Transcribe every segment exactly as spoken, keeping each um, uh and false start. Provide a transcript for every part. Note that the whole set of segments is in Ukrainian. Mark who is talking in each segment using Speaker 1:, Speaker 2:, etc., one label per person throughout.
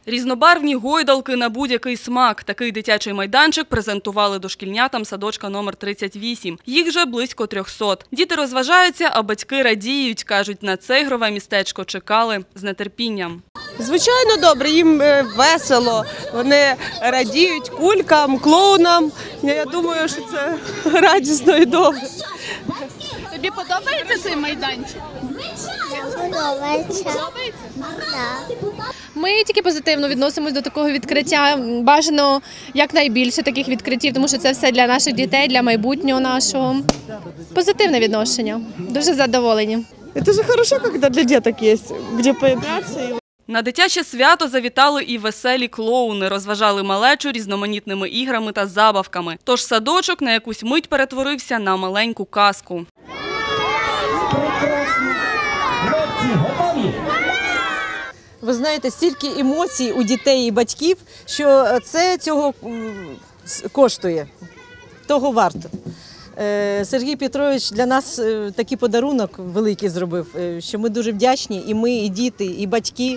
Speaker 1: Різнобарвні гойдалки на будь-який смак. Такий дитячий майданчик презентували дошкільнятам садочка номер тридцять вісім. Їх вже близько трьохсот. Діти розважаються, а батьки радіють. Кажуть, на це ігрове містечко чекали з нетерпінням.
Speaker 2: Звичайно, добре, їм весело, вони радіють кулькам, клоунам. Я думаю, що це радісно і добре.
Speaker 3: Тобі подобається цей майданчик?
Speaker 4: Подобається.
Speaker 3: Так. Ми тільки позитивно відносимось до такого відкриття. Бажано якнайбільше таких відкриттів, тому що це все для наших дітей, для майбутнього нашого. Позитивне відношення. Дуже задоволені.
Speaker 2: Це ж хорошо, коли для діток є, де поігратися.
Speaker 1: На дитяче свято завітали і веселі клоуни, розважали малечу різноманітними іграми та забавками. Тож садочок на якусь мить перетворився на маленьку казку.
Speaker 5: Ви знаєте, стільки емоцій у дітей і батьків, що це цього коштує, того варто. Сергій Петрович для нас такий подарунок великий зробив, що ми дуже вдячні, і ми, і діти, і батьки.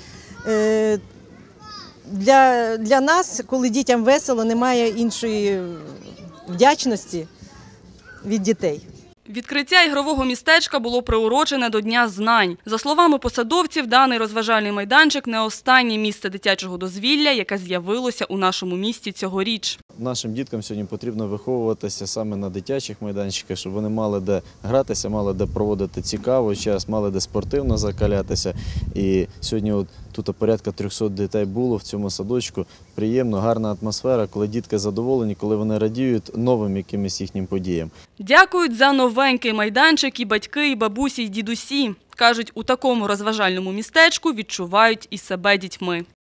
Speaker 5: Для, для нас, коли дітям весело, немає іншої вдячності від дітей.
Speaker 1: Відкриття ігрового містечка було приурочене до Дня знань. За словами посадовців, даний розважальний майданчик – не останнє місце дитячого дозвілля, яке з'явилося у нашому місті цьогоріч.
Speaker 6: Нашим діткам сьогодні потрібно виховуватися саме на дитячих майданчиках, щоб вони мали де гратися, мали де проводити цікавий час, мали де спортивно закалятися. І сьогодні от тут порядка трьохсот дітей було в цьому садочку. Приємно, гарна атмосфера, коли дітки задоволені, коли вони радіють новим якимось їхнім подіям.
Speaker 1: Дякують за новенький майданчик і батьки, і бабусі, і дідусі. Кажуть, у такому розважальному містечку відчувають і себе дітьми.